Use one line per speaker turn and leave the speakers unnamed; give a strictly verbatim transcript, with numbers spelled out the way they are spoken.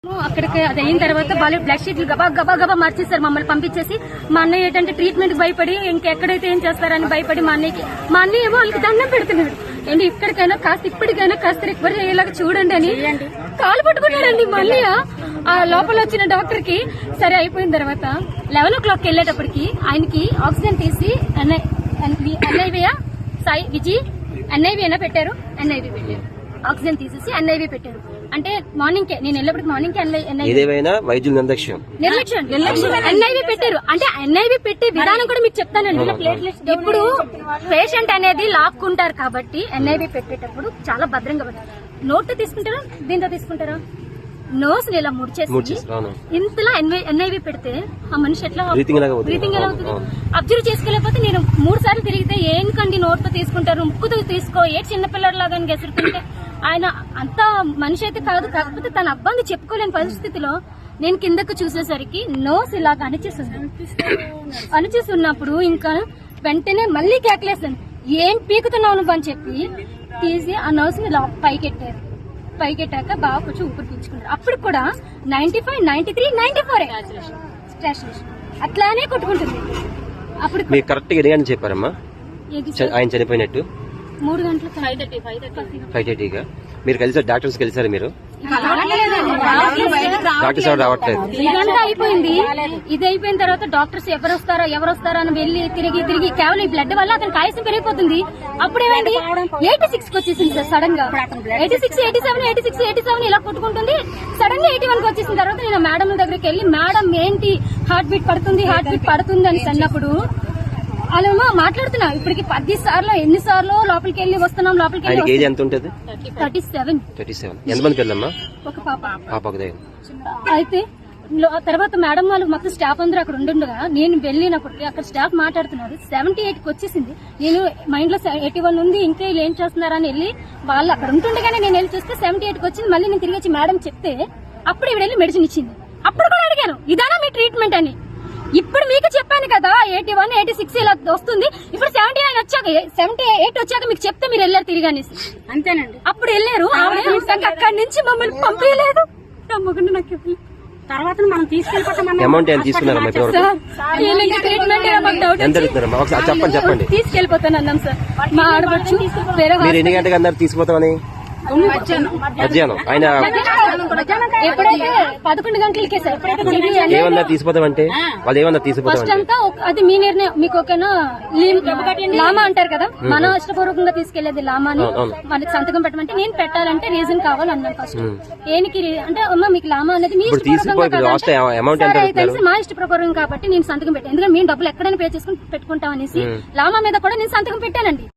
అక్కడికి అది అయిన తర్వాత వాళ్ళు బ్లడ్ షీట్లు గబా గబా గబా మార్చేస్తారు మమ్మల్ని పంపించేసి. మా అన్నయ్య ఏంటంటే ట్రీట్మెంట్ భయపడి ఇంకెక్కడైతే ఏం చేస్తారని భయపడి మా అన్నయ్యకి మా అన్నయ్య ఏమో వాళ్ళకి దండం పెడుతున్నాడు. ఏంటి ఇక్కడికైనా కాస్త ఇప్పటికైనా కాస్త రికవర్ అయ్యేలాగా చూడండి అని కాలు పట్టుకున్నాడండి. మళ్ళీ ఆ లోపల వచ్చిన డాక్టర్ కి సరే అయిపోయిన తర్వాత లెవెన్ ఓ క్లాక్ వెళ్ళేటప్పటికి ఆయనకి ఆక్సిజన్ తీసి ఎన్ఐవి సాయి విజయ్ ఎన్ఐవి అయినా పెట్టారు. ఎన్ఐవి పెట్టారు ఆక్సిజన్ తీసేసి ఎన్ఐవి పెట్టారు. అంటే మార్నింగ్ కే నేను వెళ్ళేప్పటికి మార్నింగ్
వైద్యుల నిర్లక్ష్యం
నిర్లక్ష్యం నిర్లక్ష్యం ఎన్ఐవి పెట్టారు. అంటే ఎన్ఐవి పెట్టే విధానం కూడా మీకు చెప్తానండి. ఇప్పుడు పేషెంట్ అనేది లాక్కుంటారు కాబట్టి ఎన్ఐవి పెట్టేటప్పుడు చాలా భద్రంగా నోట్ తీసుకుంటారా దీంతో తీసుకుంటారా నోస్ ఇలా ముడిచేసి ఇంతలా ఎన్ఐవి పెడితే ఆ మనిషి ఎట్లా బ్రీతింగ్ ఎలా అవుతుంది అబ్జర్వ్ చేసుకోలేకపోతే నేను మూడు సార్లు తిరిగితే ఏంకండి నోట్ తో తీసుకుంటారు ముక్కుతో తీసుకో ఏ చిన్నపిల్లలాగా గెసురుతుంటే ఆయన అంత మనిషి అయితే కాదు. కాకపోతే తన అబ్బాయిని చెప్పుకోలేని పరిస్థితిలో నేను కిందకు చూసేసరికి నోస్ ఇలాగ అణిచేస్తుంది. అణిచేస్తున్నప్పుడు ఇంకా వెంటనే మళ్ళీ కేకలేసాను ఏం పీకుతున్నావు నువ్వు అని చెప్పి తీసి ఆ నోస్ ని పైకెట్టారు. పైకెట్టాక బాగా కొంచెం ఊపిరి పీల్చుకున్నారు. అప్పుడు కూడా ninety five ninety three ninety four అట్లానే కొట్టుకుంటుంది. అప్పుడు
కరెక్ట్ గా చెప్పారమ్మా ఆయన చనిపోయినట్టు
మూడు గంటలు
ఫైవ్ థర్టీగా మీరు కలిసారు డాక్టర్స్ కలిసారు మీరు డాక్టర్స్ ఎవరు రావట్లేదు.
ఇదంతా అయిపోయింది. ఇది అయిపోయిన తర్వాత డాక్టర్స్ ఎవరు వస్తారా ఎవరు వస్తారా అని వెళ్లి తిరిగి తిరిగి కేవలం ఈ బ్లడ్ వల్ల అతనికి ఆయుసం పెరిగిపోతుంది. అప్పుడు ఏమైంది ఎయిటీ సిక్స్ కి వచ్చేసింది సార్ సడన్ గా eighty six eighty seven eighty six eighty seven ఇలా కొట్టుకుంటుంది. సడన్ గా ఎయిటీ వన్ కి వచ్చేసిన తర్వాత నేను మేడం దగ్గరికి వెళ్లి మేడం ఏంటి హార్ట్ బీట్ పడుతుంది హార్ట్ బీట్ పడుతుంది అని అన్నప్పుడు వాళ్ళేమో మాట్లాడుతున్నా ఇప్పటికి పది సార్లు ఎన్ని సార్లు లోపలికి వెళ్ళి వస్తున్నాం లోపలికి వెళ్ళి థర్టీ సెవెన్ ఒక పాప. అయితే తర్వాత మేడం వాళ్ళు మొత్తం స్టాఫ్ అందరూ అక్కడ ఉండుండగా నేను వెళ్ళినప్పటికీ అక్కడ స్టాఫ్ మాట్లాడుతున్నారు సెవెంటీ ఎయిట్ కి వచ్చేసింది. నేను మైండ్ లో ఎయిటీ వన్ ఉంది ఇంకా ఏం చేస్తున్నారని వెళ్ళి వాళ్ళు అక్కడ ఉంటుండగానే నేను వెళ్ళి చూస్తే సెవెంటీ ఎయిట్ కి వచ్చింది. మళ్ళీ నేను తిరిగి వచ్చి మేడం చెప్తే అప్పుడు ఇవి వెళ్ళి మెడిసిన్ ఇచ్చింది. అప్పుడు కూడా అడిగాను ఇదానా మీ ట్రీట్మెంట్ అని. ఇప్పుడు మీకు చెప్పాను కదా ఎయిటీ వన్ ఎయిటీ సిక్స్ ఇలా వస్తుంది. ఇప్పుడు సెవెంటీ నైన్ వచ్చాక సెవెంటీ ఎయిట్ వచ్చాక మీకు చెప్తే మీరు వెళ్ళారు తిరిగి అనేసి అంతేనండి. అప్పుడు వెళ్ళారు అక్కడి నుంచి మమ్మల్ని పంపించలేదు. నమ్మకుండా నాకు తర్వాత మనం తీసుకెళ్ళిపోతాం తీసుకెళ్ళిపోతాను అన్నాం సార్. మా ఆడవచ్చు వేరే
తీసుకుపోతామని మధ్యాహ్నం ఆయన
ఎప్పుడైతే పదకొండు గంటలకే సార్
ఏమన్నా తీసుకుపోతామంటే వాళ్ళు ఏమన్నా తీసుకుపోతాం
అది మీ నిర్ణయం మీకు ఓకేనా. లామా అంటారు కదా మన ఇష్టపూర్వకంగా తీసుకెళ్లేది లామాని మనకి సంతకం పెట్టమంటే నేను పెట్టాలంటే రీజన్ కావాలన్నాను ఫస్ట్. దేనికి అంటే అమ్మ మీకు లామా అనేది మీ తెలిసి మా ఇష్ట ప్రకారం కాబట్టి నేను సంతకం పెట్టాను. ఎందుకంటే మేము డబ్బులు ఎక్కడైనా పే చేసుకుని పెట్టుకుంటాం అనేసి లామా మీద కూడా నేను సంతకం పెట్టానండి.